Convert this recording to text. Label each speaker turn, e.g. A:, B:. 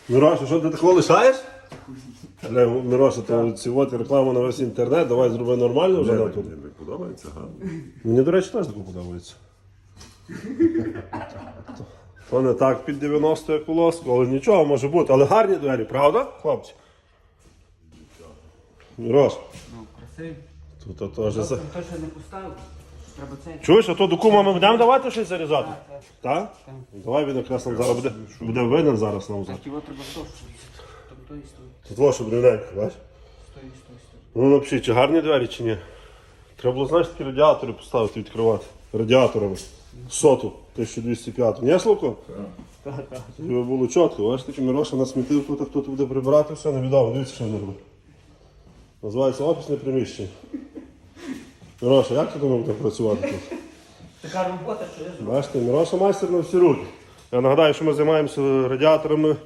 A: Мироша, що ти такого лишаєш? Але Мироша, то сьогодні реклама на весь інтернет, давай зроби нормально вже нам тут.
B: Мені подобається, гарно.
A: Мені, до речі, теж таке подобається. То не так під 90 як у лоску, але нічого може бути. Але гарні двері, правда, хлопці? Мирош,
C: Ну, красивий.
A: тут теж...
C: То, що не поставив, треба цей.
A: Чуєш, а то до кума ми будемо давати щось зарізати?
C: Так.
A: Так? Давай він якраз нам зараз буде винен зараз нам.
C: Так, його треба то, що там той стоїть.
A: Тут ваше брюненько, бачиш?
C: Стоїть.
A: Ну, напишіть, чи гарні двері, чи ні. Треба було, знаєш, такі радіатори поставити, відкривати. Радіаторами. Соту, 1205. Ні, Славко?
C: Так.
A: Тобі було чітко, бачиш, таки Мироша насмітив тут, а хто тут буде прибирати, все невідомо. Дивіться, що він робить. Називається офісне приміщення. Мироша, як ти думав будемо працювати тут?
C: Така робота, що я зроблю.
A: Бачите, Мироша майстер на всі руки. Я нагадаю, що ми займаємося радіаторами